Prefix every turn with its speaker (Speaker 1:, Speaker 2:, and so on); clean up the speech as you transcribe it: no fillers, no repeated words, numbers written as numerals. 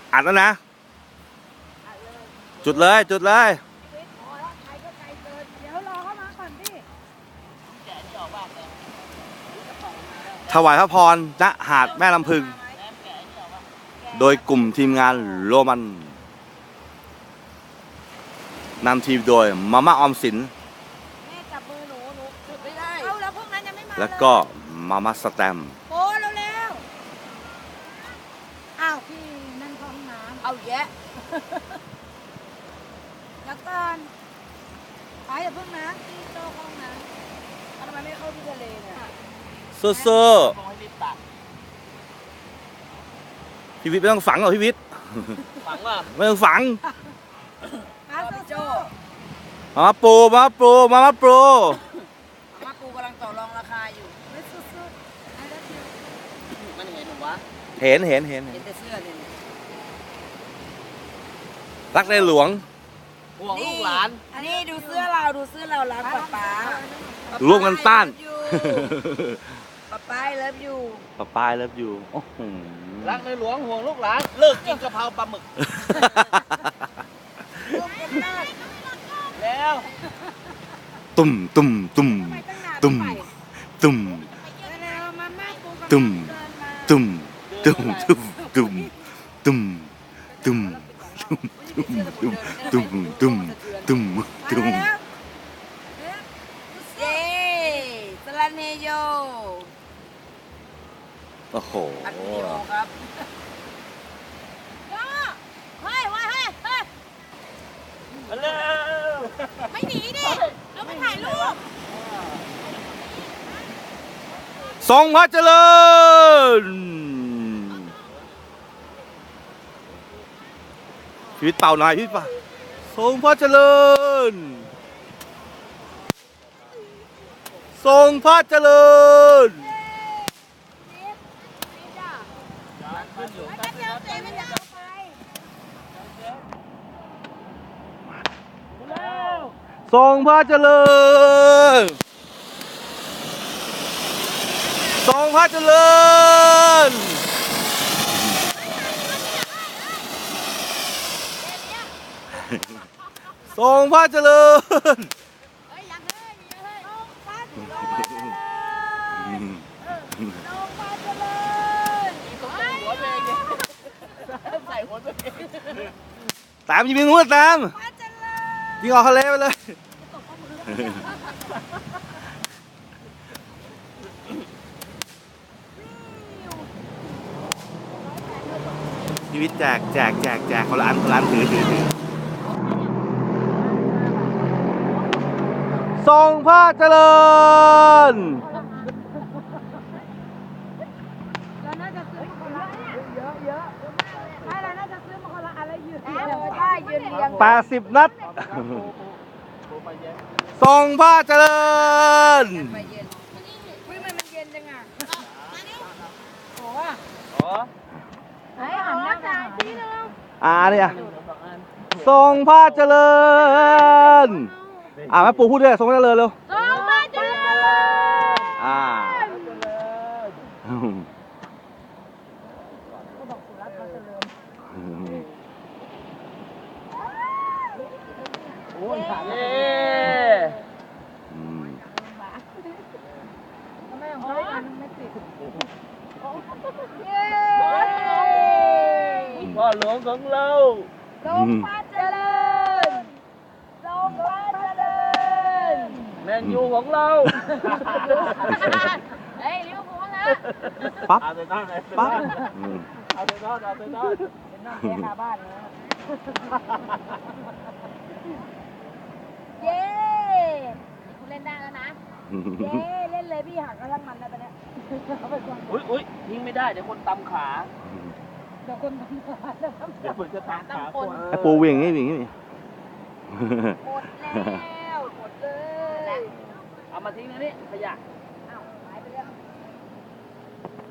Speaker 1: อัดแล้วนะจุดเลยจุดเลย
Speaker 2: เดี๋ยวรอเข้ามาก่อนพี่
Speaker 1: ถวายพระพรณหาดแม่ลำพึงโดยกลุ่มทีมงานโรมันนำทีมโดยมาม่าออมสิน
Speaker 2: แม่จับมือหนูจุดไม่ได้เอาแล้วพวกนั้นยังไม่มา
Speaker 1: แล้วก็มาม่าสแตมป์
Speaker 2: โอ้เร็วๆอ้าวพี่นั่นห้องน้ำเอาแยะแล้วก่อนไปอย่าเพิ่งนะพี่โจ้ห้องน้ำทำไมไม่เข้าที่ทะเลเนี่ย
Speaker 1: สู้ๆพี่วิทย์ไม่ต้องฝังหรอกพี่วิทย์
Speaker 3: ฝังว่ะ
Speaker 1: ไม่ต้องฝัง
Speaker 2: พี่โจ้
Speaker 1: มาปูมาปูมาก
Speaker 2: ำลังต่อรองราคาอยู่ไม่สุดๆ
Speaker 3: มันเห็นหรือวะ
Speaker 1: เห็น
Speaker 2: แต่เสื้อเนี่ย
Speaker 1: รักในหลวง
Speaker 3: ห่วงลูกหลาน
Speaker 2: อันนี้ดูเสื้อเรารักป๊า
Speaker 1: ร่วมกันต้าน
Speaker 2: ป๊าเลิฟยู
Speaker 1: ป้าเลิฟยู
Speaker 3: รักในหลวงห่วงลูกหลานเลิกกินกะเพราปลาหมึกแล้ว
Speaker 1: ตุ่มตุ่มตุ่มตุ่มตุ่มตุ่มตุ่มตุ่มตุ่มตุ่มตุ่มตุ่มตุ่มตุ่มตุ่มตุ่มตุ่ม
Speaker 2: เย้สลันเฮโย
Speaker 1: โอ้โห
Speaker 2: อัดวิดีโอครับเฮ้ยมา
Speaker 3: เร็ว
Speaker 2: ไม่หนีดิเราไปถ่ายรูป
Speaker 1: ทรงพระเจริญชีวิตเป่าหน่อยพี่ป่ะทรงพระเจริญทรงพระเจริญทรงพระเจริญทรงพระเจริญทรงพระเจริญตามยิงมือตามยิงออกทะเลไปเลยชีวิตแจกคนละอันถือทรงพระเจริญ
Speaker 2: เราน่าจะซื้อมาคนละเยอะใช่เราน่าจะซื้อมาคนละอะไรยืนเรียง
Speaker 1: 80 นัดทรงพระเจริญ
Speaker 2: มันเย็นจังอ่ะโอ้ไอ้หันหน้าจ่ายทีนึง
Speaker 1: เนี่ยทรงพระเจริญแม่ปู่พูดด้วยทรงพระเจริญเร็ว
Speaker 2: ทรงพระเจริญ
Speaker 3: โอ้ยขาดเลย
Speaker 2: ทำไมของเขาอันไม่ติด
Speaker 3: พ่อหลวงของเรา
Speaker 2: ทรงพระเจริญทรงพระเจริญ
Speaker 3: แมนยูของเรา
Speaker 2: เฮ้ยลิเวอร์พูลนะ
Speaker 1: ปั๊บ
Speaker 3: เอาไปนอน
Speaker 1: ปั๊บ
Speaker 3: เอาไปนอน
Speaker 2: เป็นน้องแค่ขาบ้านนะเย้คุณเล่นได้แล้วนะเย้เล่นเลยพี่หักกระทั่งมันแล้วตอนนี้
Speaker 3: อุ้ยทิ้งไม่ได้เดี๋ยวคนตำขา
Speaker 2: เดี๋ยวคน
Speaker 3: เดี๋ยวคนจะตำขาคน
Speaker 1: ปูวิ่งนี่
Speaker 2: หมดแล้วหมดเลย
Speaker 3: เอามาทิ้งนะนี่ขยะ